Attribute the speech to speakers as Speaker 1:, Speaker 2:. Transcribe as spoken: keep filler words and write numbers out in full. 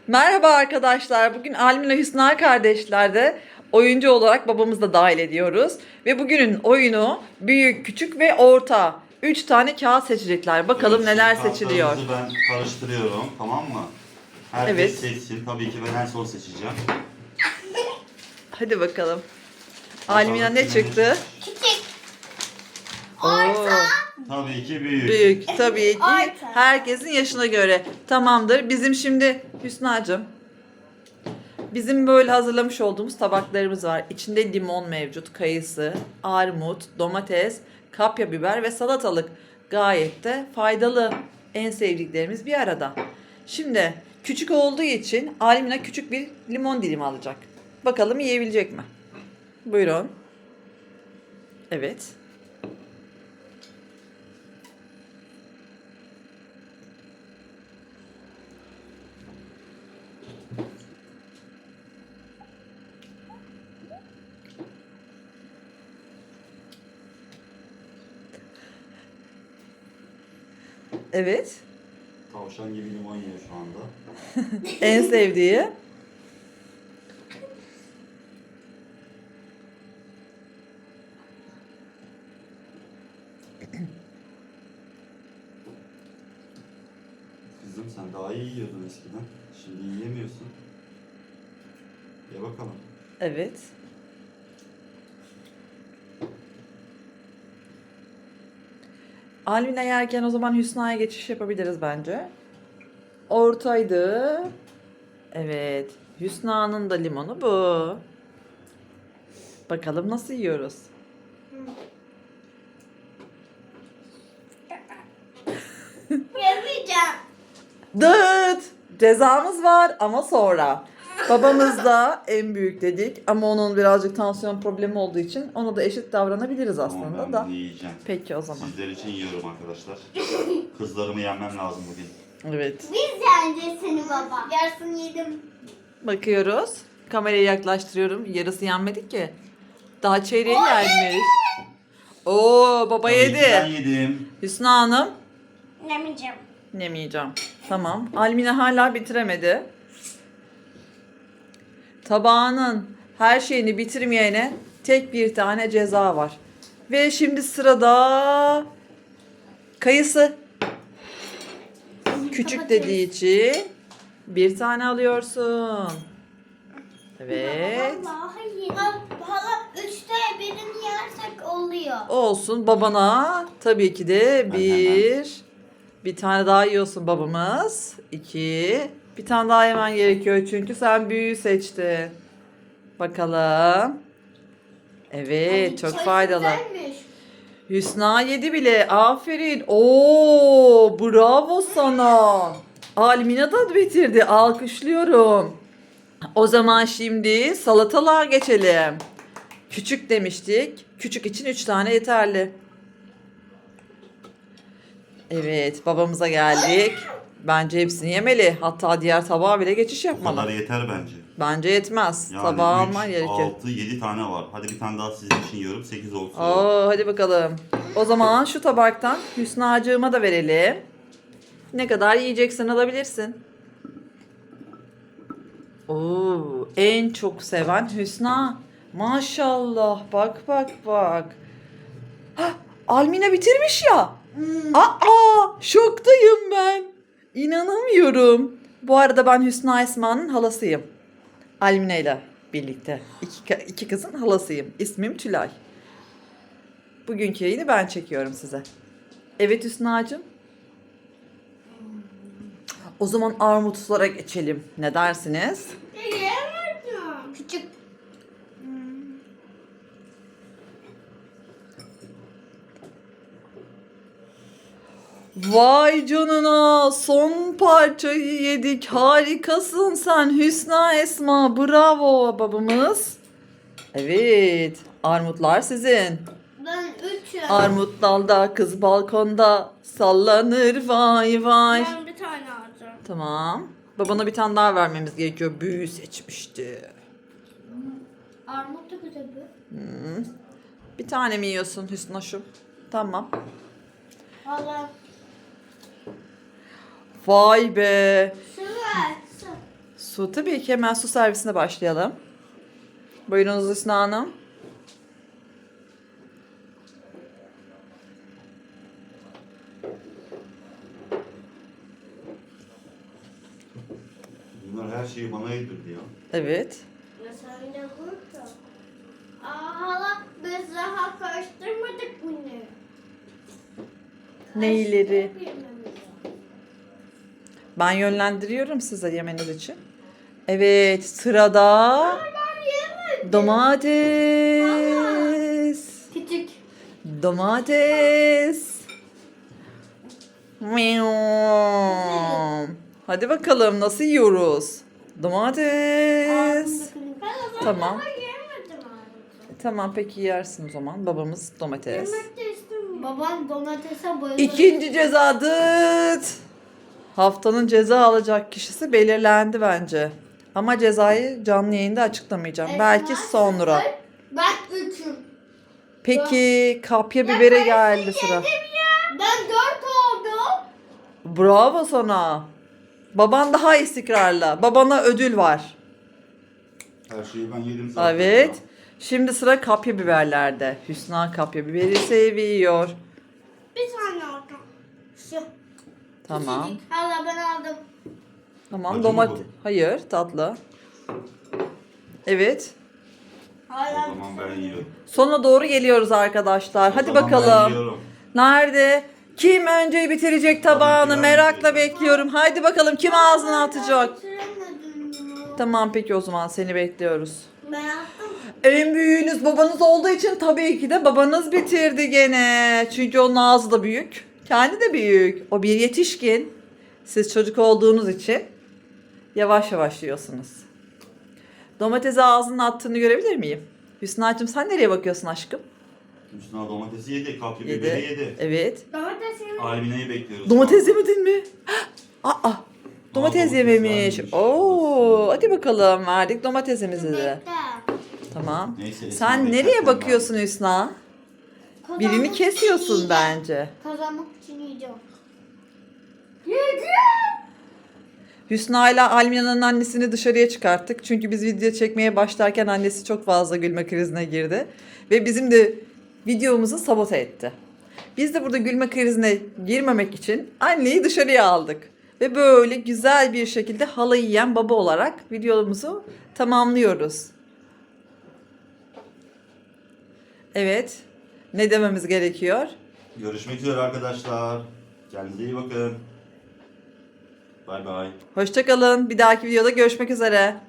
Speaker 1: Merhaba arkadaşlar. Bugün Almila Hüsna kardeşlerde oyuncu olarak babamızı da dahil ediyoruz. Ve bugünün oyunu büyük, küçük ve orta. Üç tane kağıt seçecekler. Bakalım
Speaker 2: Evet,
Speaker 1: neler
Speaker 2: şimdi
Speaker 1: seçiliyor.
Speaker 2: kartlarımızı ben karıştırıyorum, tamam mı? Herkes
Speaker 1: Evet.
Speaker 2: seçsin. Tabii ki ben en son seçeceğim.
Speaker 1: Hadi bakalım.
Speaker 2: Bakalım
Speaker 1: Almila ne
Speaker 2: kime
Speaker 1: çıktı?
Speaker 3: Küçük.
Speaker 1: Oo,
Speaker 2: Tabii ki büyük.
Speaker 1: büyük. Tabii ki
Speaker 3: Orta.
Speaker 1: herkesin yaşına göre. Tamamdır. Bizim şimdi Hüsna'cığım. Bizim böyle hazırlamış olduğumuz tabaklarımız var. İçinde limon mevcut, kayısı, armut, domates, kapya biber ve salatalık. Gayet de faydalı. En sevdiklerimiz bir arada. Şimdi küçük olduğu için Almina küçük bir limon dilimi alacak. Bakalım yiyebilecek mi? Buyurun. Evet. Evet.
Speaker 2: Tavşan gibi limon yiyor şu anda.
Speaker 1: En sevdiği.
Speaker 2: Kızım sen daha iyi yiyordun eskiden. Şimdi yiyemiyorsun. Ye bakalım.
Speaker 1: Evet. Almina yerken o zaman Hüsna'ya geçiş yapabiliriz bence. Ortaydı. Evet. Hüsna'nın da limonu bu. Bakalım nasıl yiyoruz.
Speaker 3: Yapacağım.
Speaker 1: Dıt! Cezamız var ama sonra. Babamız da en büyük dedik ama onun birazcık tansiyon problemi olduğu için ona da eşit davranabiliriz
Speaker 2: Tamam,
Speaker 1: aslında
Speaker 2: ben
Speaker 1: da.
Speaker 2: bunu yiyeceğim.
Speaker 1: Peki o zaman.
Speaker 2: Sizler için yiyorum arkadaşlar. Kızlarımı yenmem lazım bugün.
Speaker 1: Evet.
Speaker 3: Biz yeneceğiz seni baba. Yarısını yedim.
Speaker 1: Bakıyoruz. Kamerayı yaklaştırıyorum. Yarısı yenmedi ki. Daha çeyreği
Speaker 3: O
Speaker 1: gelmiş. Oo baba
Speaker 2: Tabii ki ben
Speaker 1: yedi.
Speaker 2: yedim.
Speaker 1: Hüsna Hanım.
Speaker 3: Yemeyeceğim.
Speaker 1: Yemeyeceğim. Tamam. Almina hala bitiremedi. Tabağının her şeyini bitirmeyene tek bir tane ceza var. Ve şimdi sırada kayısı. Küçük dediği için bir tane alıyorsun. Evet.
Speaker 3: Vallahi hala, hala üçte birini yersek oluyor.
Speaker 1: Olsun babana tabii ki de
Speaker 2: Ben
Speaker 1: bir. Bir tane daha yiyorsun babamız. İki. Bir tane daha yemen gerekiyor çünkü sen büyüğü seçtin. Bakalım. Evet çok
Speaker 3: Ay,
Speaker 1: faydalı.
Speaker 3: güzelmiş.
Speaker 1: Hüsna yedi bile. Aferin. Oo, bravo sana. Almina da bitirdi. Alkışlıyorum. O zaman şimdi salatalığa geçelim. Küçük demiştik. Küçük için üç tane yeterli. Evet, babamıza geldik. Bence hepsini yemeli. Hatta diğer tabağa bile geçiş
Speaker 2: Bu kadar
Speaker 1: yapmalı.
Speaker 2: yeter bence.
Speaker 1: Bence yetmez.
Speaker 2: Yani
Speaker 1: Tabağı alman gerekiyor.
Speaker 2: altı, yedi tane var. Hadi bir tane daha sizin için yiyorum. sekiz olsun.
Speaker 1: Oo, hadi bakalım. O zaman şu tabaktan Hüsna'cığıma da verelim. Ne kadar yiyeceksen alabilirsin. Oo, en çok seven Hüsna. Maşallah. Bak bak bak. Hah, Almina bitirmiş ya. Aa, şoktayım ben. İnanamıyorum. Bu arada ben Hüsna Esma'nın halasıyım. Almina ile birlikte. İki, iki kızın halasıyım. İsmim Tülay. Bugünkü yayını ben çekiyorum size. Evet Hüsna'cığım. O zaman armutlara geçelim. Ne dersiniz?
Speaker 3: Yiyemedim. Küçük.
Speaker 1: Vay canına, son parçayı yedik. Harikasın sen Hüsna Esma. Bravo babamız. Evet, armutlar sizin.
Speaker 3: Ben üçüm.
Speaker 1: Armut dalda, kız balkonda sallanır vay vay.
Speaker 3: Ben bir tane alacağım.
Speaker 1: Tamam. Babana bir tane daha vermemiz gerekiyor. Büyü seçmişti.
Speaker 3: Armut da güzel bir.
Speaker 1: Hmm. Bir tane mi yiyorsun Hüsnoş'um? Tamam.
Speaker 3: Valla.
Speaker 1: Vay be.
Speaker 3: Sıvı.
Speaker 1: Su tabii ki, hemen su servisine başlayalım. Buyurunuz Hüsnü Hanım.
Speaker 2: Bunlar her şeyi bana yedirdi ya.
Speaker 1: Evet.
Speaker 3: Ya sen de burada. Aa hala biz daha karıştırmadık bunu.
Speaker 1: Neyleri?
Speaker 3: Karıştırmamız lazım.
Speaker 1: Ben yönlendiriyorum size yemeniz için. Evet, sırada
Speaker 3: Ben yemedim.
Speaker 1: domates.
Speaker 3: Küçük.
Speaker 1: Domates. Miau. Hadi bakalım nasıl yiyoruz? Domates. Tamam. Tamam peki yersin o zaman. Babamız domates.
Speaker 3: Babam domatese bayılır.
Speaker 1: İkinci ceza dıt. Haftanın ceza alacak kişisi belirlendi bence. Ama cezayı canlı yayında açıklamayacağım. Belki sonra.
Speaker 3: Ben üçüm.
Speaker 1: Peki kapya bibere geldi sıra.
Speaker 3: Ben dört oldum.
Speaker 1: Bravo sana. Baban daha istikrarlı. Babana ödül var.
Speaker 2: Her şeyi ben yedim zaten.
Speaker 1: Evet.
Speaker 2: ya.
Speaker 1: Şimdi sıra kapya biberlerde. Hüsna kapya biberi seviyor.
Speaker 3: Bir tane aldım. Şu.
Speaker 1: Tamam.
Speaker 3: Küçücük. Hala ben aldım.
Speaker 1: Tamam
Speaker 2: Acı mı
Speaker 1: domates.
Speaker 2: bu?
Speaker 1: Hayır, tatlı. Evet.
Speaker 2: O
Speaker 3: Hala
Speaker 2: zaman ben yiyorum.
Speaker 1: Sona doğru geliyoruz arkadaşlar.
Speaker 2: O
Speaker 1: Hadi
Speaker 2: zaman ben
Speaker 1: bakalım.
Speaker 2: yiyorum.
Speaker 1: Nerede? Kim önce bitirecek tabağını?
Speaker 2: ben
Speaker 1: Merakla
Speaker 2: bitireceğim.
Speaker 1: bekliyorum. Haydi bakalım kim ağzına atacak?
Speaker 3: bitiremedim ya.
Speaker 1: Tamam peki o zaman seni bekliyoruz.
Speaker 3: Ben yaptım.
Speaker 1: En büyüğünüz babanız olduğu için tabii ki de babanız bitirdi gene. Çünkü onun ağzı da büyük. Kendi de büyük. O bir yetişkin. Siz çocuk olduğunuz için yavaş yavaş yiyorsunuz. Domatesi ağzına attığını görebilir miyim? Hüsna'cığım sen nereye bakıyorsun aşkım?
Speaker 2: Üstüne domatesi yedi, kapya
Speaker 1: Yedi.
Speaker 2: biberi yedi.
Speaker 1: Evet.
Speaker 3: Domatesimi.
Speaker 2: Almine'yi bekliyoruz.
Speaker 1: Domates yemedin mi? Aa, domates
Speaker 2: domates
Speaker 1: yememiş.
Speaker 2: vermiş.
Speaker 1: Oo, hadi bakalım verdik domatesimizi de.
Speaker 3: Bekle.
Speaker 1: Tamam.
Speaker 2: Neyse, Esma
Speaker 1: Sen
Speaker 2: beklerken
Speaker 1: nereye
Speaker 2: ben-
Speaker 1: bakıyorsun Hüsna? Birini
Speaker 3: Kazanmak için
Speaker 1: kesiyorsun
Speaker 3: yiyeceğim.
Speaker 1: bence.
Speaker 3: Kazanmak için yiyeceğim. Yedim.
Speaker 1: Hüsna ile Almina'nın annesini dışarıya çıkarttık. Çünkü biz video çekmeye başlarken annesi çok fazla gülme krizine girdi. Ve bizim de videomuzu sabote etti. Biz de burada gülme krizine girmemek için anneyi dışarıya aldık. Ve böyle güzel bir şekilde halayı yiyen baba olarak videomuzu tamamlıyoruz. Evet. Ne dememiz gerekiyor?
Speaker 2: Görüşmek üzere arkadaşlar. Kendinize iyi bakın. Bay bay.
Speaker 1: Hoşça kalın. Bir dahaki videoda görüşmek üzere.